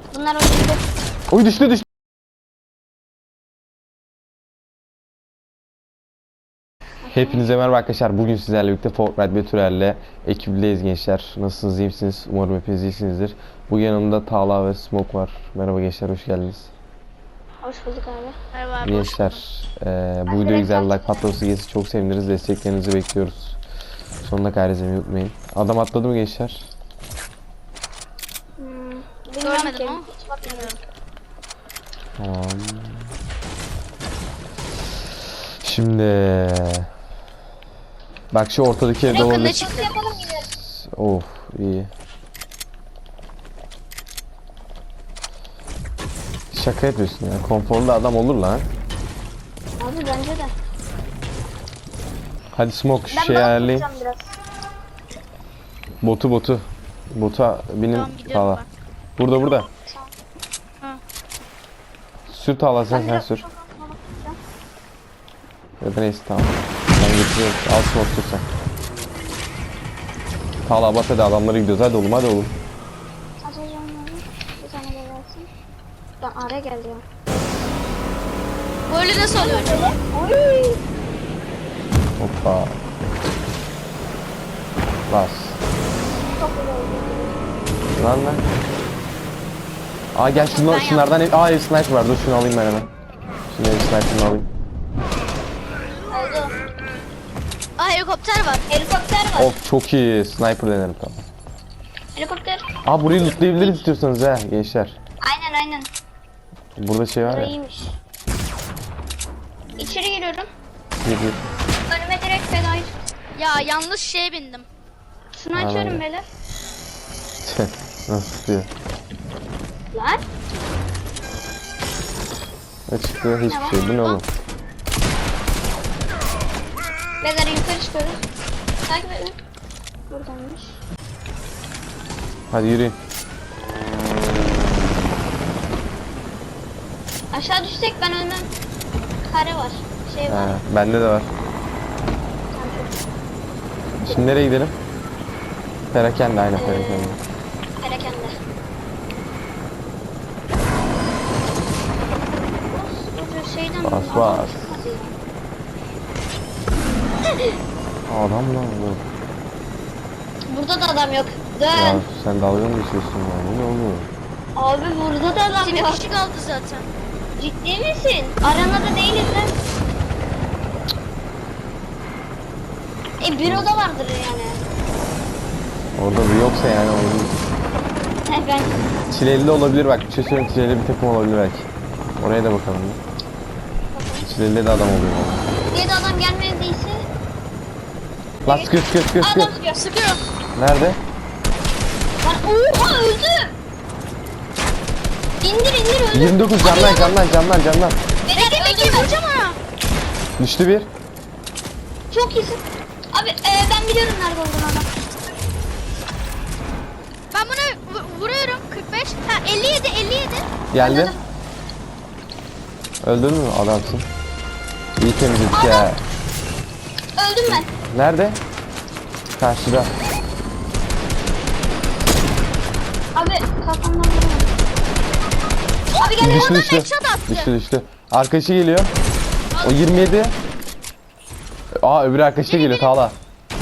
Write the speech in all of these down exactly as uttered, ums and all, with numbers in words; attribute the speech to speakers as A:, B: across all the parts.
A: Bunlar oynadı.
B: Oy düştü düştü. Hepinize merhaba arkadaşlar. Bugün sizlerle birlikte Fortnite Betürel'le ekibindeyiz gençler. Nasılsınız, iyi misiniz? Umarım hepiniz iyisinizdir. Bugün yanımda Talha ve Smoke var. Merhaba gençler, hoş geldiniz.
A: Hoş bulduk abi.
C: Merhaba abi.
B: Gençler, e, bu videoya güzel bir like patlaması gelirse çok seviniriz. Desteklerinizi bekliyoruz. Sonuna kadar izlemeyi unutmayın. Adam atladı mı gençler?
A: Hmm,
C: Görmedim ama.
A: Hiç bakmıyorum.
B: Tamam. Şimdi bak şu ortadaki evde
C: Yakında
B: olabilir.
C: çıktı.
A: Yapalım yine.
B: Of iyi. Şaka yapıyorsun ya. Konforlu adam olur lan.
A: Abi bence de.
B: Hadi Smoke şu
A: Ben
B: şey
A: balık
B: ayarlayın.
A: tutacağım biraz.
B: Botu botu. Bota binin.
C: Tamam, gidiyorum
B: Talha.
C: ben.
B: Burada burada.
C: Ha.
B: Sür Talha sen
A: Ben
B: sen
A: biraz
B: sür.
A: çok az balık tutacağım.
B: Ya da neyse tamam. Ben getiriyorum. Al Smoke tut sen. Talha bas hadi, adamlara gidiyoruz. Hadi oğlum hadi oğlum.
A: Açacağım onları. Bir tane de versin. Lan araya geldi ya.
C: Böyle nasıl oluyor acaba?
A: Oy.
B: Hoppa. Bas.
A: Çok güzel oldu.
B: Lan lan. Aa gel şunu,
C: Ben
B: şunlardan ev, aa ev sniper var, dur şunu alayım ben hemen. Şimdi ev sniper'ını alayım.
A: Oldu.
C: Aa, helikopter var.
A: Helikopter var.
B: Of çok iyi, sniper denerim tamam.
A: Helikopter.
B: Aa burayı lootlayabiliriz istiyorsanız ha gençler.
A: Aynen aynen.
B: Burada şey var
A: Burası
B: ya.
A: iyiymiş. İçeri giriyorum.
B: Gir gir.
A: Önüme direkt fedayı.
C: Ya yanlış şeye bindim.
A: Şunu
B: Aynen.
A: açıyorum böyle.
B: Nasıl tutuyor?
A: Lan.
B: Ne çıktı? Hiçbir şey. Bu ne oğlum?
A: Beyler yukarı çıkıyoruz. Takip edin. Buradanmış.
B: Hadi yürüyün.
A: Aşağı düşsek ben ölmem. Kare var. Şey var.
B: Ha, bende de var. Şimdi nereye gidelim? Perakende, aynen perakende.
A: Perakende. Şeyden
B: Bas,
A: adam
B: bas.
A: çıkmadı ya.
B: Adam lan bu.
A: Burada da adam yok.
B: Ya
A: Dön.
B: sen dalga mı geçiyorsun ya? Bu ne oluyor?
A: Abi burada da adam
C: Bizim
A: yok.
C: kişi kaldı zaten.
A: Ciddi misin? Arenada değiliz lan. E bir oda vardır yani.
B: Orada bir yoksa yani oyun.
A: He ben.
B: Çileli de olabilir bak. Bir şey söyleyeyim, çileli bir takım olabilir belki. Oraya da bakalım. Çileli de adam oluyor.
A: Diye de adam gelmediyse.
B: Lan sıkıyor sıkıyor sıkıyor sıkıyor.
A: Adam sıkıyor.
C: Sıkıyor.
B: Nerede?
A: Lan oha öldü. İndir indir öldü.
B: yirmi dokuz canlan canlan canlan canlan.
A: Bekle
C: Bekle vuracağım ona.
B: Düştü bir.
A: Çok iyisin. Abi e, ben biliyorum nerede olduğunu adam.
C: Ben bunu vu- vuruyorum. kırk beş. Ha elli yedi elli yedi.
B: Geldi.
A: Anladım.
B: Öldün mü? Adamsın. İyi temizledik ya.
A: Öldüm ben.
B: Nerede? Karşıda.
A: Abi kafamdan vuramadım. Abi gel
B: Düştü
A: oradan
B: düştü.
C: headshot attı.
B: Düştü düştü. Arkadaşı geliyor. O yirmi yedi. Aa öbür arkadaşı da geliyor Talha.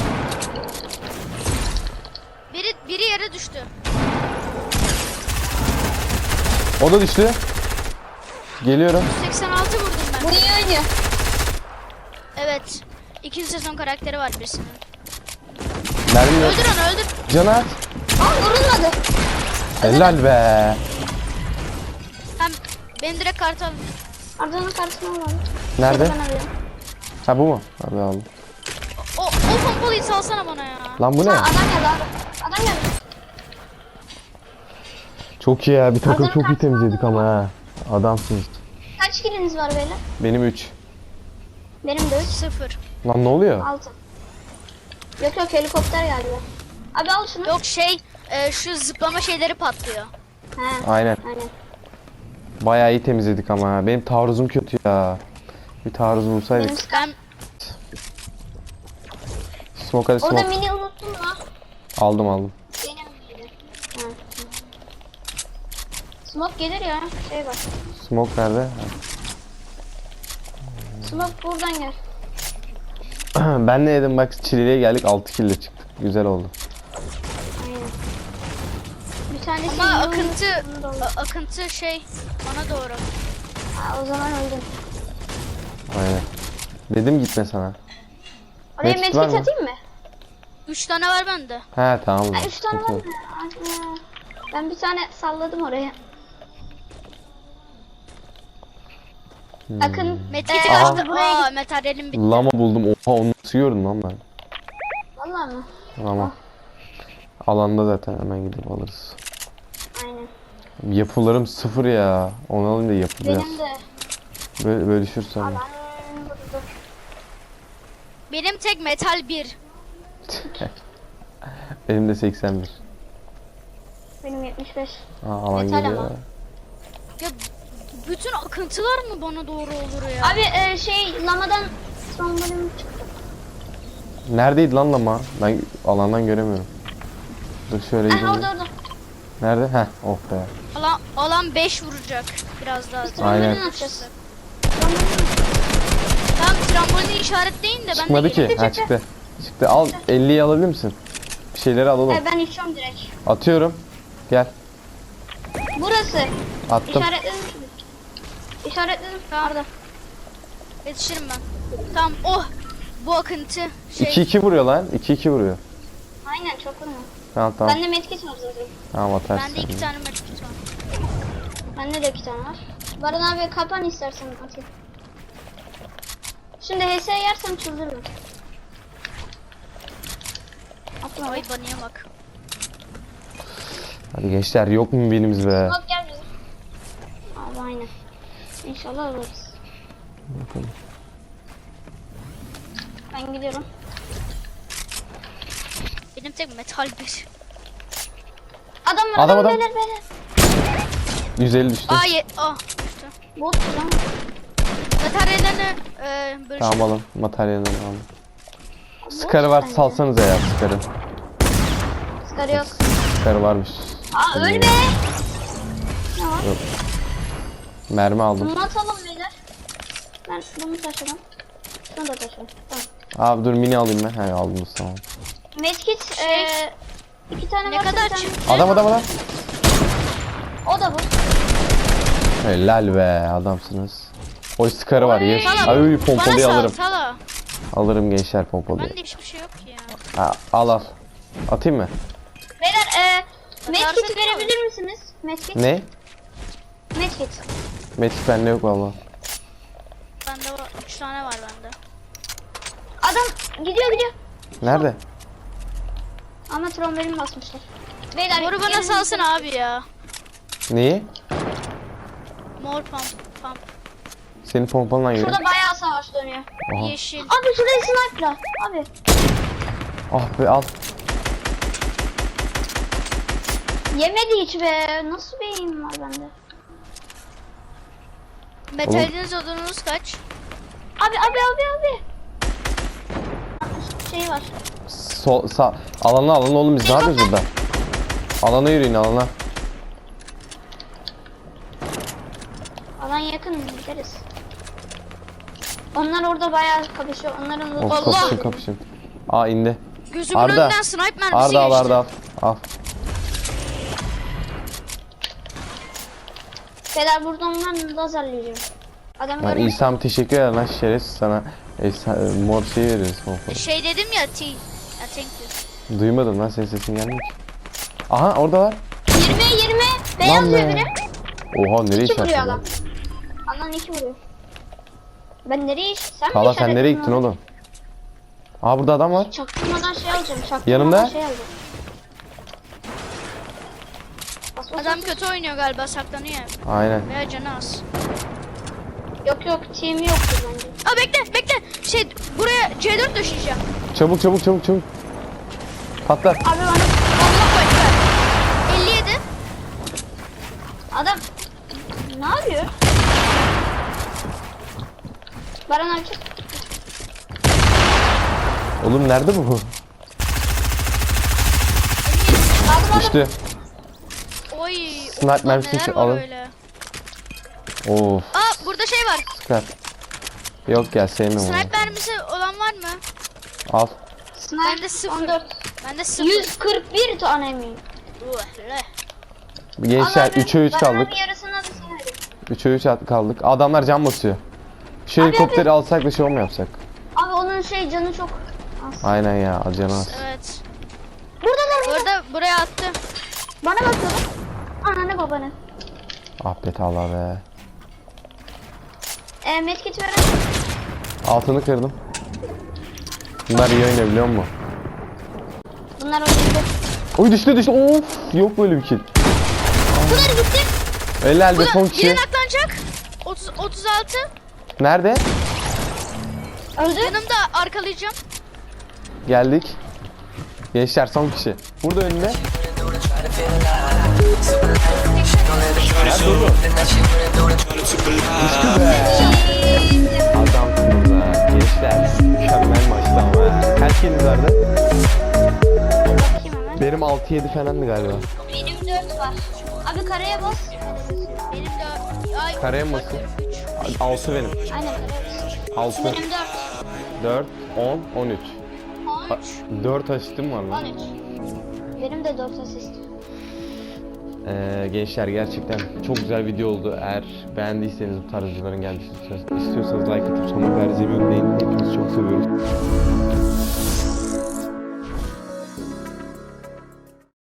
C: Biri, biri yere düştü.
B: O da düştü. Geliyorum.
C: seksen altı vurdum ben.
A: Bu iyi oynuyor.
C: Evet. İkinci sezon karakteri var birisinin.
B: Mermi yok.
C: Öldür onu öldür.
B: Canı at.
A: Aa vurulmadı.
B: Helal be.
C: Hem beni direkt kartı al.
A: Arda'nın karşısına alalım.
B: Nerede?
A: Ben alıyorum.
B: Ha bu mu? Abi aldım.
C: O, o pompalıyı salsana bana ya.
B: Lan bu ne?
A: Ha, adam geldi abi. Adam geldi.
B: Çok iyi ya. Bir takım
A: Adamın
B: çok iyi
A: karşısına
B: temizledik ama ha. Adamsınız.
A: Kaç kiliniz var beyler?
B: Benim üç.
A: Benim de üç.
C: Sıfır.
B: Lan ne oluyor?
A: altı. Yok yok helikopter geldi. Abi al şunu.
C: Yok şey e, şu zıplama şeyleri patlıyor.
A: He.
B: Aynen.
A: Aynen.
B: Bayağı iyi temizledik ama ha. Benim taarruzum kötü ya. Bir taarruz
A: Benim
B: bulsaydık.
C: Ben
B: Smoke hadi
A: Orada
B: smoke.
A: mini unuttun mu?
B: Aldım aldım.
A: Benim miydi? Ha. Smoke gelir ya. Şey bak.
B: Smoke nerede?
A: Smoke buradan gel.
B: Ben ne yedim bak, çileliğe geldik, altı kill ile çıktık. Güzel oldu.
A: Aynen. Bir tanesi
C: Ama
A: yılın
C: akıntı
A: sonunda oldu.
C: a- akıntı şey bana doğru.
A: Ha, o zaman öldüm.
B: Aynen. Dedim gitme sana.
A: Oraya
B: Medkit var
A: medkit
B: mı?
A: atayım mı?
C: Üç tane var bende.
B: He tamam. o
A: Ha,
B: zaman.
A: üç tane var
B: Sıkıntı
A: mı?
B: yok.
A: Ana. Ben bir tane salladım oraya.
B: Hmm.
A: Akın.
C: Medkit'i
A: Ee,
B: Aha.
C: kaçtı.
A: buraya
C: Aa
A: git.
C: materyalim bitti.
B: Lama buldum. Oha, onu nasıl gördün lan ben?
A: Vallahi mı?
B: Lama. Alanda zaten, hemen gidip alırız.
A: Aynen.
B: Yapılarım sıfır ya. Onu alayım da yapı biraz.
A: Benim de.
B: Böyle, bölüşürsem.
A: Aman burada.
C: Benim tek metal bir.
B: Benim de seksen bir.
A: Benim yetmiş beş.
B: Aa, alan
A: Metal
B: geliyor.
A: ama.
B: ya.
C: Ya bütün akıntılar mı bana doğru olur ya?
A: Abi e, şey lamadan trombolim çıktı.
B: Neredeydi lan lama? Ben alandan göremiyorum. Dur şöyle
A: Ha
B: gideyim.
A: orada orada.
B: Nerede? Heh, oh be.
C: Alan, alan beş vuracak biraz daha.
B: Aynen.
A: Trombolin atacağız.
C: Tamam trambolini işaretleyin de ben
B: Çıkmadı
C: de
B: ki.
C: geleyim.
B: Ha çıktı. Çıktı. Al, elliyi alabilir misin? Bir şeyleri alalım.
A: E, ben içiyorum direkt.
B: Atıyorum. Gel.
A: Burası.
B: Attım.
A: İşaretledim şimdi. İşaretledim.
C: Tamam.
A: Orada.
C: Yetişirim ben. Tamam oh bu akıntı şey.
B: iki iki vuruyor lan. iki iki vuruyor.
A: Aynen çok vurma.
B: Tamam tamam.
A: Bende medkit var zaten.
B: Tamam atarsın.
C: Bende iki tane medkit var.
A: Bende de iki tane var. Baran abi kapan istersen atayım. Şimdi H S yersem çıldırırım. Atma.
C: Ay banıya bak.
B: Hadi gençler, yok mu birimiz be?
A: Bak gel bize. Abi aynen. İnşallah alırız.
B: Bakalım.
A: Ben gidiyorum.
C: Benim tek metal bir.
A: Adam var
B: Adam,
A: adam,
B: adam.
A: beyler beyler.
B: yüz elli düştü.
C: Aa ye ah düştü.
A: Bot lan.
C: Materyallerini e, bölüşelim.
B: Tamam alın. Materyalini alın. Skarı var,
A: bence.
B: salsanıza ya skarı.
A: Skarı yok.
B: Skarı varmış.
A: Aa ölme. Ne var?
B: Yok. Mermi aldım.
A: Bunu atalım beyler. Ben bunu taşıdım. Şunu da taşıdım. Tamam.
B: Abi dur, mini alayım ben. He aldınız, tamam.
A: Medkit
C: Şey,
A: eee iki tane
C: ne
A: varsa
C: kadar
A: bir tane-
C: çıktı?
B: Adam adam adam.
A: O da bu.
B: Helal be, adamsınız. O skarı var, yes.
C: Sala,
B: Ay
C: bana
B: pompalıyı
C: sal,
B: alırım.
C: sala.
B: Alırım gençler pompalıyı.
C: Bende hiçbir şey yok ki ya.
B: Ha, al al. Atayım mı?
A: Beyler eee medkit
C: Atarsın
A: verebilir misiniz? Medkit.
B: Ne?
A: Medkit.
B: Metik bende yok valla.
C: Bende var, üç tane var bende.
A: Adam gidiyor gidiyor.
B: Nerede?
A: Ama trombolin basmışlar. Beyler
C: Moru bana
A: gelin.
C: salsana abi ya.
B: Neyi?
C: Mor pump, pump.
B: Senin pompalan geliyor.
A: Şurada bayağı savaş dönüyor.
B: Aha.
C: Yeşil.
A: Abi şurayı sniper'la. Abi.
B: Ah be, al.
A: Yemedi hiç be. Nasıl bir eğim var bende?
C: Metaliniz odunuz kaç?
A: Abi abi abi abi. Şey var.
B: Sol, sağ. Alana alana oğlum, biz ne yapıyoruz burada? Alana yürüyün, alana.
A: Alan yakın gideriz. Onlar orada bayağı kapışıyor. Onların
B: Of,
C: Allah!
B: kapışın kapışın. Aa indi.
C: Gözümün
B: Arda.
C: önünden sniper mermisi
B: Arda al,
C: geçti.
B: Arda al. Al.
A: Beyler buradan ben lazerleyeceğim. Adam
B: Lan
A: görmüş.
B: İsa'm teşekkür ederim lan, şerefsiz sana. Esa, mor şey veririz pompalı.
C: Şey dedim ya T. Ya thank you.
B: Duymadım lan, senin sesin gelmiyor ki. Aha orada var.
A: yirmi yirmi. Beyaz
B: Lan
A: diyor
B: be.
A: biri.
B: Oha, nereye
A: İki vuruyor
B: işaretledin
A: adam.
B: lan?
A: Alan iki vuruyor. Ben nereye iş? Sen mi
B: Tala sen nereye
A: işaretledin
B: gittin
A: onu?
B: oğlum? Aa burada adam var.
A: Çaktırmadan şey alacağım. Çaktırmadan
B: Yanımda.
A: şey alacağım. Bas, bas,
C: Adam
A: bas.
C: kötü oynuyor galiba saklanıyor.
B: Aynen.
C: Veya canı az.
A: Yok yok team yoktur bence.
C: Aa bekle bekle. Şey buraya C dört döşeyeceğim.
B: Çabuk çabuk çabuk çabuk. Patlat.
A: Abi bana
C: Allah ekber. elli yedi.
A: adam ne yapıyor? Baran abi çık.
B: Oğlum nerede bu?
A: Aldım aldım.
B: Düştü.
C: Oy
B: Sniper mermisini
C: Neler var
B: alın.
C: öyle?
B: Of.
C: Aa burada şey var.
B: Sıkar. Yok ya sevmem onu.
C: Sniper mermisi olan var mı?
B: Al.
A: Sniper
C: Bende sıfır.
A: on dört.
C: Bende sıfır.
A: yüz kırk bir tane mi?
C: Uh, le.
B: Gençler üçe üç kaldık.
A: Bir yarısına da sen öyle.
B: üçe üç kaldık. Adamlar can basıyor. Şu
A: Abi,
B: helikopteri alsak da şey mu yapsak?
A: Abi onun şey canı çok az.
B: Aynen ya canı az.
C: Evet.
A: Buradalar burada.
C: Burada buraya attı.
A: Bana bakıyorlar. Ananı babanı.
B: Ah be Talha be.
A: E, medkit veren.
B: Altını kırdım. Bunlar iyi oynuyor biliyor musun?
A: Bunlar oynadı.
B: Oy düştü düştü. Of yok böyle bir kill.
C: Bunlar gitti.
B: Eller elde
C: Bu
B: son
C: da
B: kişi.
C: biri naklanacak. otuz, otuz altı.
B: Nerede?
A: Öldü.
C: Yanımda arkalayacağım.
B: Geldik. Gençler son kişi. Burada önünde. Adamsınız ha. Gençler. Mükemmel maçtı ama ya. Kaç kiliniz vardı?
A: Bakayım hemen.
B: Benim altı yedi falandı galiba.
A: Benim dört var. Abi karaya bas.
C: Benim de ay
B: Karaya mı basın?
C: üç.
B: altı benim.
A: Aynen karaya bas.
B: altı.
A: Benim dört.
B: dört, on, on üç.
A: on üç.
B: dört asistim var
A: on
B: lan.
A: üç. Benim de dört asist.
B: Ee, gençler gerçekten çok güzel video oldu. Eğer beğendiyseniz bu tarz videoların gelmesini istiyorsanız like atıp sonuna kadar izlemeyi unutmayın. Hepinizi çok seviyoruz.